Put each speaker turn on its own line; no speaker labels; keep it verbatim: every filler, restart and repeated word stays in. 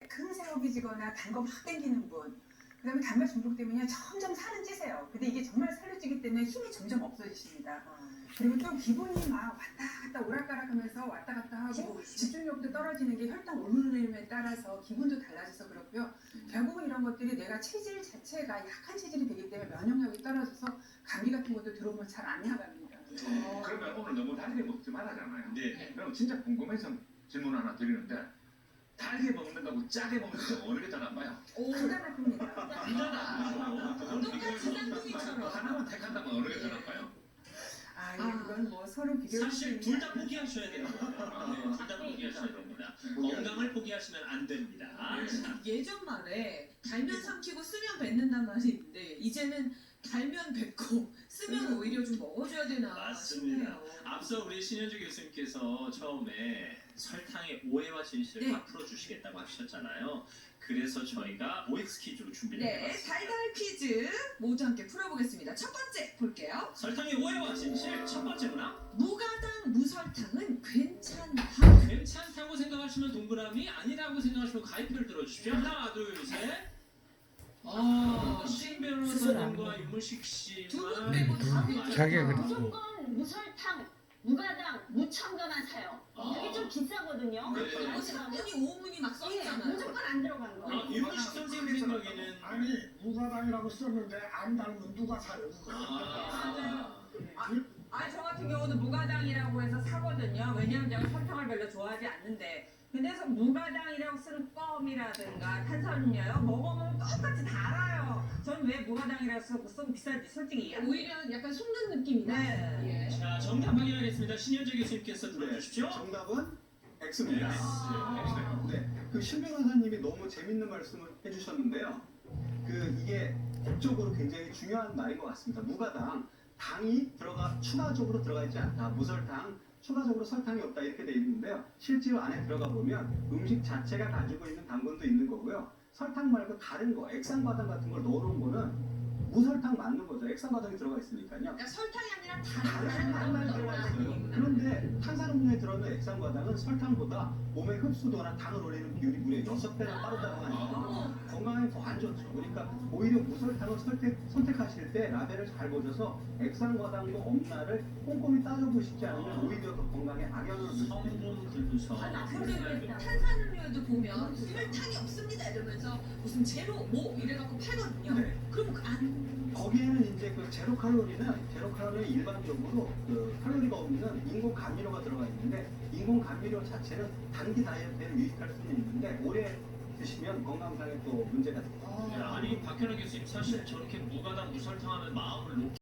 큰 새우비지거나 단 거 막 땡기는 분, 그다음에 단맛 중독 때문에 점점 살은 찌세요. 근데 이게 정말 살을 찌기 때문에 힘이 점점 없어지십니다. 그리고 또 기분이 막 왔다 갔다 오락가락하면서 왔다 갔다 하고 집중력도 떨어지는 게 혈당 오름에 따라서 기분도 달라져서 그렇고요. 결국은 이런 것들이 내가 체질 자체가 약한 체질이 되기 때문에 면역력이 떨어져서 감기 같은 것도 들어오면 잘 안 나갑니다.
어, 그러면 오늘 너무 달게 먹지 말아잖아요.
네.
그럼 진짜 궁금해서 질문 하나 드리는데 달게 먹는 거하고 짜게 먹는 거 어느 게 더 나빠요?
간단합니다.
간단하다. 똑같이 쌍둥이처럼.
하나만 택한다면 어느 게 더 나빠요?
아, 예, 그건 뭐 서로 비교할 수
사실
있는
둘 다 포기하셔야 돼요. 네, 둘 다 포기하셔야 됩니다. 건강을 포기하시면 안 됩니다. 자,
예전 말에 달면 삼키고 쓰면 뱉는단 말이 있는데 이제는 달면 뱉고 쓰면 오히려 좀 먹어줘야 되나
맞습니다.
싶네요.
앞서 우리 신현주 교수님께서 처음에 설탕의 오해와 진실을
네.
다 풀어주시겠다고 하셨잖아요. 그래서 저희가 오엑스 퀴즈로 준비를
네,
해봤습니다.
달달 퀴즈 모두 함께 풀어보겠습니다. 첫 번째 볼게요.
설탕의 오해와 진실 첫 번째 문항.
무가당 무설탕은 괜찮다.
괜찮다고 생각하시면 동그라미, 아니라고 생각하시면 가위표를 들어주십시오. 하나, 둘, 셋. 아, 신 변호사님과 윤문식 씨만
두 분 빼고 다
음,
자기가
맞아요.
그랬어.
무조건 무설탕, 무가당, 무첨가만 사요.
아.
그게 좀 비싸거든요.
네.
그리고
안
삼
들어가면
분이 오 분이 막
예,
써있잖아요.
무조건 안 들어간 거.
아, 윤문식 선생님 생각에는
아니 무가당이라고 썼는데 안 닮은 누가 사요 그거?
아,
아니 저 같은 경우는 무가당이라고 해서 사거든요. 왜냐면 제가 설탕을 별로 좋아하지 않는데 근데 서 무가당이라고 쓰는 껌이라든가 탄산음료요 먹으면 똑같이 달아요. 저는 왜 무가당이라고 쓰고 쓰면 비싼지 솔직히 이해 안 돼요.
오히려 약간 속는 느낌이다.
네.
예.
자, 정답 확인하겠습니다. 신현주 교수님께서 들어주십시오.
정답은 X입니다.
아.
네, 그 신 변호사님이 너무 재밌는 말씀을 해주셨는데요. 그 이게 법적으로 굉장히 중요한 말인 것 같습니다. 무가당, 당이 들어가 추가적으로 들어가 있지 않다. 무설탕, 추가적으로 설탕이 없다 이렇게 돼 있는데요. 실제로 안에 들어가 보면 음식 자체가 가지고 있는 당분도 있는 거고요. 설탕 말고 다른 거, 액상과당 같은 걸 넣어놓은 거는 무설탕 맞는 거죠. 액상과당이 들어가 있으니까요.
그러니까 설탕이 아니라
다른
다른
당만 들어가 있어요. 그런데 탄산음료에 들어있는 액상과당은 설탕보다 몸의 흡수도나 당을 올리는 비율이 무려 여섯 배나 빠르다고 하니까 건강에 더 안 좋죠. 그러니까 오히려 무설탕을 선택, 선택하실 때 라벨을 잘 보셔서 액상과당도 없나를 꼼꼼히 따져보시지 않으면 오히려 더 건강에 악영향을 줄 수 있습니다.
성분 분석.
아, 근데 탄산음료에도 보면 설탕이 없습니다 이러면서 무슨 제로 뭐 이래갖고 팔거든요.
네.
그럼 그 안
거기에는 이제 그 제로 칼로리는 제로 칼로리 일반적으로 그 칼로리가 없는 인공 감미료가 들어가 있는데 인공 감미료 자체는 단기 다이어트에 유익할 수는 있는데 오래 드시면 건강상에 또 문제가 됩니다.
네, 아니 박현아 교수님 사실 저렇게 무가당 무설탕하면 마음을 놓기